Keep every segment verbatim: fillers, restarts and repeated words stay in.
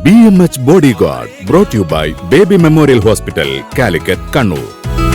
B M H Bodyguard brought to you by Baby Memorial Hospital, Calicut, Kannur.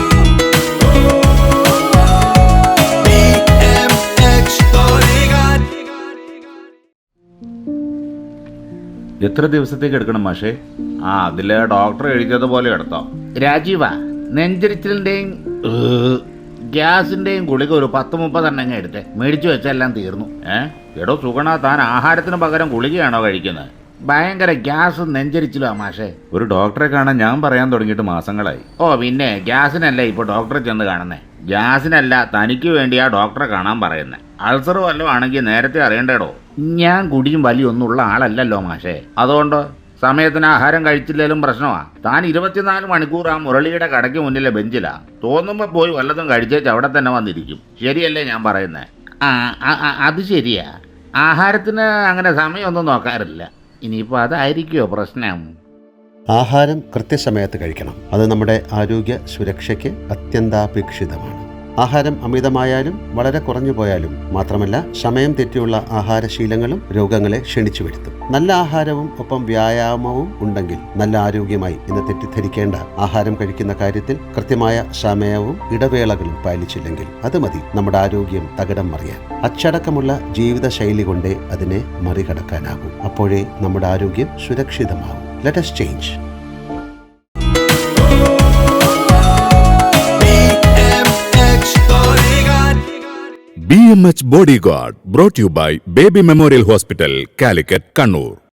എത്ര ദിവസത്തേക്ക് എടുക്കണം മാഷേ? ആ അതിലെ ഡോക്ടർ എഴുതിയതുപോലെ എടുത്തോ. രാജീവ, നെഞ്ചരിച്ചിലിന്റെയും ഗ്യാസിന്റെയും ഗുളിക ഒരു പത്ത് മുപ്പതെണ്ണം എടുത്ത് മേടിച്ചു വെച്ചെല്ലാം തീർന്നു. ഏ എടോ സുഗണ, താൻ ആഹാരത്തിന് പകരം ഗുളികയാണോ കഴിക്കുന്നത്? ഭയങ്കര ഗ്യാസും നെഞ്ചരിച്ചിലുവാ മാഷേ. ഒരു ഡോക്ടറെ കാണാൻ ഞാൻ പറയാൻ തുടങ്ങിയിട്ട് മാസങ്ങളായി. ഓ പിന്നെ ഗ്യാസിനല്ല ഇപ്പോൾ ഡോക്ടറെ ചെന്ന് കാണുന്നേ. ഗ്യാസിനല്ല, തനിക്ക് വേണ്ടിയാ ഡോക്ടറെ കാണാൻ പറയുന്നത്. അൾസർ വല്ലതും ആണെങ്കിൽ നേരത്തെ അറിയണ്ടേടോ. ഞാൻ കുടിയും വലിയൊന്നും ഉള്ള ആളല്ലല്ലോ മാഷേ. അതുകൊണ്ട് സമയത്തിന് ആഹാരം കഴിച്ചില്ലേലും പ്രശ്നമാ. താൻ ഇരുപത്തിനാല് മണിക്കൂർ ആ മുരളിയുടെ കടയ്ക്ക് മുന്നിലെ ബെഞ്ചിലാ. തോന്നുമ്പോൾ പോയി വല്ലതും കഴിച്ചേച്ച് അവിടെ തന്നെ വന്നിരിക്കും. ശരിയല്ലേ ഞാൻ പറയുന്നത്? ആ അത് ശരിയാ. ആഹാരത്തിന് അങ്ങനെ സമയമൊന്നും നോക്കാറില്ല. ഇനിയിപ്പോൾ അതായിരിക്കുമോ പ്രശ്നം? ആഹാരം കൃത്യസമയത്ത് കഴിക്കണം. അത് നമ്മുടെ ആരോഗ്യ സുരക്ഷയ്ക്ക് അത്യന്താപേക്ഷിതമാണ്. ആഹാരം അമിതമായാലും വളരെ കുറഞ്ഞു പോയാലും മാത്രമല്ല, സമയം തെറ്റിയുള്ള ആഹാരശീലങ്ങളും രോഗങ്ങളെ ക്ഷണിച്ചു വരുത്തും. നല്ല ആഹാരവും ഒപ്പം വ്യായാമവും ഉണ്ടെങ്കിൽ നല്ല ആരോഗ്യമായി ഇന്ന് തെറ്റിദ്ധരിക്കേണ്ട. ആഹാരം കഴിക്കുന്ന കാര്യത്തിൽ കൃത്യമായ സമയവും ഇടവേളകളും പാലിച്ചില്ലെങ്കിൽ അത് മതി നമ്മുടെ ആരോഗ്യം തകിടം മറിയാൻ. അച്ചടക്കമുള്ള ജീവിതശൈലി കൊണ്ടേ അതിനെ മറികടക്കാനാകും. അപ്പോഴേ നമ്മുടെ ആരോഗ്യം സുരക്ഷിതമാകും. Let us change. B M H Bodyguard brought to you by Baby Memorial Hospital, Calicut, Kannur.